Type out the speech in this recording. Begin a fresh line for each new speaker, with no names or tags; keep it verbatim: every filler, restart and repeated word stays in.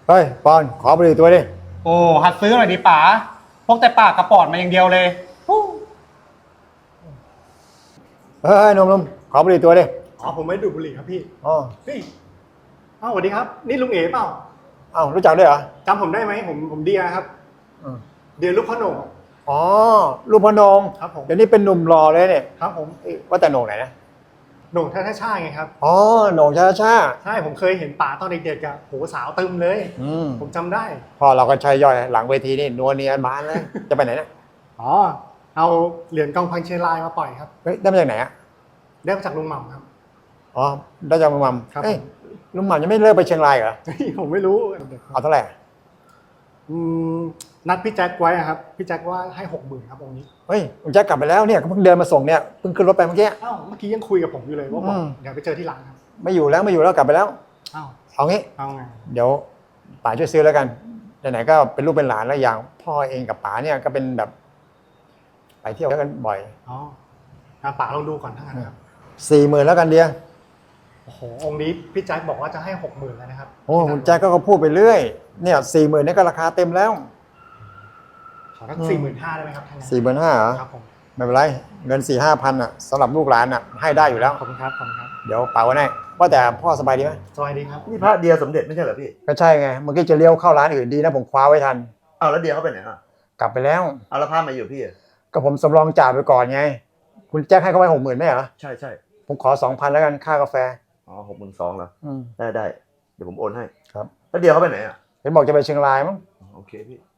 เฮ้ยปอนขอบุหรี่ตัวดิ
โอ้หัดซื้อหน่อยดิป๋าพกแต่ปากกระปอดมาอย่างเดียวเลยฮู้
เฮ้ยหนุ่มๆขอบุหรี่ตัวดิ
อ๋อผมไม่ดูดบุหรี่ครับพี่
อ๋อ
พี่อ้าวสวัสดีครับนี่ลุงเอ๋เปล่า
อ้าวรู้จักด้วยเหรอ
จำผมได้ไหมผมผมเดียครับเดียลูกพ่อโหน่ง
อ๋อลูกพนง
ครับผม
เดี๋ยวนี้เป็นหนุ่มรอเลยเนี่ย
ครับผม
ว่าแต่โหน่งไหนนะ
โหน่งท่าท่าช่าไงครับ
อ๋อโหน่งชาชา
ใช่ผมเคยเห็นป๋าตอนเด็กๆอะโหสาวตึมเลย
อืม
ผมจำได้
พ่อเราก็ใช้ย่อยหลังเวทีนี่นัวเนียนบานเลยจะไปไหนเนี่ย
อ๋อเอาเหรียญกองพันเชียงรายมาปล่อยครับ
เฮ้ยได้มาจากไหนอ่ะ
ได้มาจากลุงหม่ำครับ
อ๋อได้จากลุงหม่ำ
ครับ
เอ้ยลุงหม่ำยังไม่เลิกไปเชียงรายเหรอ
เฮ้ยผมไม่รู้
เอาเท่าไหร่
อืมนัดพี่แจ็คไว้อะครับพี่แจ็คว่าให้หกหมื่นครับองค์นี้
เฮ้ยผมจะกลับไปแล้วเนี่ยเพิ่งเดินมาส่งเนี่ยเพิ่งขึ้นรถไปเมื่อกี้
อ้าวเมื่อกี้ยังคุยกับผมอยู่เลยว่าบอกเดี๋ยวไปเจอที่ร้านครับ
ไม่อยู่แล้วไม่อยู่แล้วกลับไปแล้ว
อ้าว
เอางี้
เอาไง
เดี๋ยวป๋าช่วยซื้อแล้วกันไหนๆก็เป็นลูกเป็นหลานแล้วอย่างพ่อเองกับป๋าเนี่ยก็เป็นแบบไปเที่ยวกันบ่อย
อ๋อป๋าลองดูก่อนทั้งนั้นครับ
สี่หมื่นแล้วกันเดีย
โอ้โหองค์นี้พี่แจ็คบอกว่าจะให้หกหมื่นแล้วนะครับ
โอ้คุณแจ็คก็พูดไปเรื่อยเนี่ยสี่หมื่นนี่ก็ราคาเต็มแล้ว
ขอสักสี่หมื่นห้าได้ไหมครับท่าน
สี่หมื่นห้าเหรอ
ครับผม
ไม่เป็นไรเงินสี่ห้าพันอ่ะสำหรับลูกหลานอ่ะให้ได้อยู่แล้ว
ขอบคุณครับขอบคุณครับ
เดี๋ยวป๋าไว้ให้ว่าแต่พ่อสบายดีไหม
สบายดีครับ
นี่พระเดียสมเด็จไม่ใช่เหรอพี่
ก็ใช่ไงเมื่อกี้จะเลี้ยวเข้าร้านอื่นดีนะผมคว้าไว้ทัน
เอาแล้วเดียเขาไปไหนอ่ะ
กลับไปแล้ว
เอาแล้วพระมาอยู่พี่
ก็ผมสำรองจ่ายไปก่อนไงคุณแจ็คให้เขาไว้หกหมื่นไม่เหรอ
ใช่ใช่
ผมขอสองพันแล้วกันค่ากาแฟ
อ๋อหกหมื่นสองเหรอ
อืม
ได้ได้เดี๋ยวผมโอนให้
ครับ
แล้วเดียเขาไปไหนอ่ะ
เห็นบอกจะไปเชียงรายมั้ง
โอเคพี่